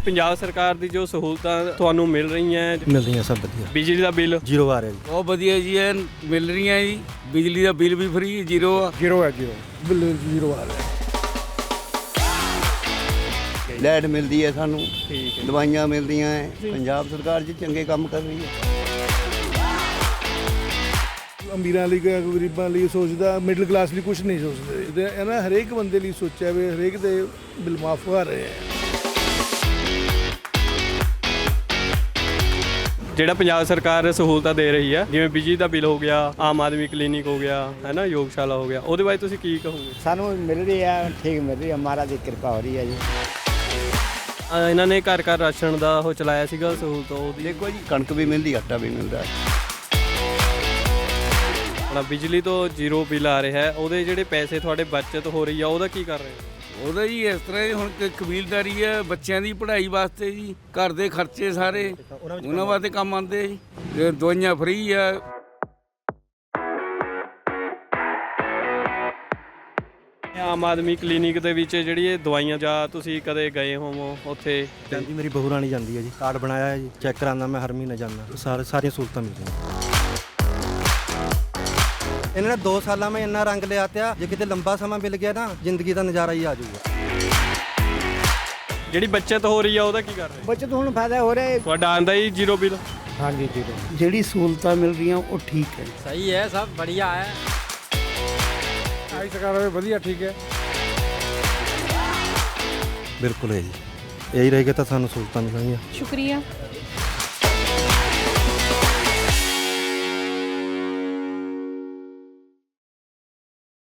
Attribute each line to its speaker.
Speaker 1: ਪੰਜਾਬ ਸਰਕਾਰ ਦੀ ਜੋ ਸਹੂਲਤਾਂ ਤੁਹਾਨੂੰ ਮਿਲ ਰਹੀਆਂ
Speaker 2: ਸਭ ਵਧੀਆ।
Speaker 1: ਬਿਜਲੀ ਦਾ ਬਿੱਲ
Speaker 2: ਜ਼ੀਰੋ ਆ ਰਿਹਾ ਜੀ।
Speaker 3: ਬਹੁਤ ਵਧੀਆ ਜੀ, ਇਹ ਮਿਲ ਰਹੀਆਂ ਜੀ। ਬਿਜਲੀ ਦਾ ਬਿੱਲ ਵੀ ਫ੍ਰੀ ਜ਼ੀਰੋ ਆ।
Speaker 2: ਜ਼ੀਰੋ ਬਿੱਲ ਜ਼ੀਰੋ ਆ ਰਿਹਾ।
Speaker 4: ਲਾਈਟ ਮਿਲਦੀ ਹੈ ਸਾਨੂੰ,
Speaker 1: ਠੀਕ ਹੈ।
Speaker 4: ਦਵਾਈਆਂ ਮਿਲਦੀਆਂ ਹੈ। ਪੰਜਾਬ ਸਰਕਾਰ ਜੀ ਚੰਗੇ ਕੰਮ ਕਰ ਰਹੀ ਹੈ।
Speaker 2: ਅਮੀਰਾਂ ਲਈ ਗਰੀਬਾਂ ਲਈ ਸੋਚਦਾ, ਮਿਡਲ ਕਲਾਸ ਲਈ ਕੁਝ ਨਹੀਂ ਸੋਚਦੇ। ਇਹਨਾਂ ਹਰੇਕ ਬੰਦੇ ਲਈ ਸੋਚਿਆ ਵੀ ਹਰੇਕ ਦੇ ਬਿੱਲ ਮਾਫ ਕਰ ਰਹੇ ਆ।
Speaker 1: ਜਿਹੜਾ ਪੰਜਾਬ ਸਰਕਾਰ ਸਹੂਲਤਾਂ ਦੇ ਰਹੀ ਹੈ, ਜਿਵੇਂ ਬਿਜਲੀ ਦਾ ਬਿੱਲ ਹੋ ਗਿਆ, ਆਮ ਆਦਮੀ ਕਲੀਨਿਕ ਹੋ ਗਿਆ, ਹੈ ਨਾ, ਯੋਗਸ਼ਾਲਾ ਹੋ ਗਿਆ, ਉਹਦੇ ਬਾਰੇ ਤੁਸੀਂ ਕੀ ਕਹੋਗੇ?
Speaker 5: ਸਾਨੂੰ ਮਿਲ ਰਹੀ ਹੈ, ਠੀਕ ਮਿਲ ਰਹੀ ਹੈ, ਮਹਾਰਾਜ ਦੀ ਕਿਰਪਾ ਹੋ ਰਹੀ ਹੈ ਜੀ।
Speaker 1: ਇਹਨਾਂ ਨੇ ਘਰ ਘਰ ਰਾਸ਼ਨ ਦਾ ਉਹ ਚਲਾਇਆ ਸੀਗਾ ਸਹੂਲਤ, ਉਹਦੀ
Speaker 4: ਦੇਖੋ ਜੀ, ਕਣਕ ਵੀ ਮਿਲਦੀ, ਆਟਾ ਵੀ ਮਿਲਦਾ ਹੈ।
Speaker 1: ਆਪਣਾ ਬਿਜਲੀ ਤੋਂ ਜ਼ੀਰੋ ਬਿੱਲ ਆ ਰਿਹਾ ਹੈ, ਉਹਦੇ ਜਿਹੜੇ ਪੈਸੇ ਤੁਹਾਡੇ ਬਚਤ ਹੋ ਰਹੀ ਆ, ਉਹਦਾ ਕੀ ਕਰ ਰਹੇ ਹੋ?
Speaker 3: ਉਹਦਾ ਜੀ ਇਸ ਤਰ੍ਹਾਂ ਹੁਣ ਕਬੀਲਦਾਰੀ ਹੈ, ਬੱਚਿਆਂ ਦੀ ਪੜ੍ਹਾਈ ਵਾਸਤੇ ਜੀ, ਘਰ ਦੇ ਖਰਚੇ ਸਾਰੇ ਉਹਨਾਂ ਵਾਸਤੇ ਕੰਮ ਆਉਂਦੇ ਜੀ। ਦਵਾਈਆਂ ਫ੍ਰੀ ਆ।
Speaker 1: ਆਮ ਆਦਮੀ ਕਲੀਨਿਕ ਦੇ ਵਿੱਚ ਜਿਹੜੀ ਇਹ ਦਵਾਈਆਂ, ਜਾਂ ਤੁਸੀਂ ਕਦੇ ਗਏ ਹੋਵੋ ਉੱਥੇ?
Speaker 2: ਜਾਂਦੀ ਮੇਰੀ ਬਹੂ ਰਾਣੀ ਜਾਂਦੀ ਹੈ ਜੀ। ਕਾਰਡ ਬਣਾਇਆ ਹੈ ਜੀ, ਚੈੱਕ ਕਰਾਉਂਦਾ ਮੈਂ ਹਰ ਮਹੀਨੇ ਜਾਂਦਾ। ਸਾਰੀਆਂ ਸਹੂਲਤਾਂ ਮਿਲਦੀਆਂ। ਇਹਨਾਂ ਨੇ 2 ਸਾਲਾਂ ਮੈਂ ਇੰਨਾ ਰੰਗ ਲਿਆ ਤਿਆ, ਜੇ ਕਿਤੇ ਲੰਬਾ ਸਮਾਂ ਮਿਲ ਗਿਆ ਨਾ, ਜ਼ਿੰਦਗੀ ਦਾ ਨਜ਼ਾਰਾ ਹੀ ਆ ਜਾਊਗਾ।
Speaker 1: ਜਿਹੜੀ ਬੱਚਤ ਹੋ ਰਹੀ ਆ ਉਹਦਾ ਕੀ ਕਰ ਰਹੇ?
Speaker 5: ਬੱਚਤ ਹੁਣ ਫਾਇਦਾ ਹੋ ਰਿਹਾ ਹੈ।
Speaker 1: ਤੁਹਾਡਾ ਆਂਦਾ ਹੀ ਜ਼ੀਰੋ ਬਿੱਲ?
Speaker 5: ਹਾਂਜੀ ਜ਼ੀਰੋ।
Speaker 6: ਜਿਹੜੀ ਸਹੂਲਤਾਂ ਮਿਲ ਰਹੀਆਂ ਉਹ ਠੀਕ ਹੈ,
Speaker 5: ਸਹੀ ਹੈ, ਸਭ बढ़िया ਹੈ।
Speaker 2: ਆਈ ਸਰਕਾਰ ਹੋਵੇ ਵਧੀਆ, ਠੀਕ ਹੈ। ਬਿਲਕੁਲ ਹੈ ਜੀ, ਇਹੀ ਰਹੇਗਾ ਤਾਂ ਸਾਨੂੰ ਸਹੂਲਤਾਂ ਮਿਲਣਗੀਆਂ।
Speaker 7: शुक्रिया।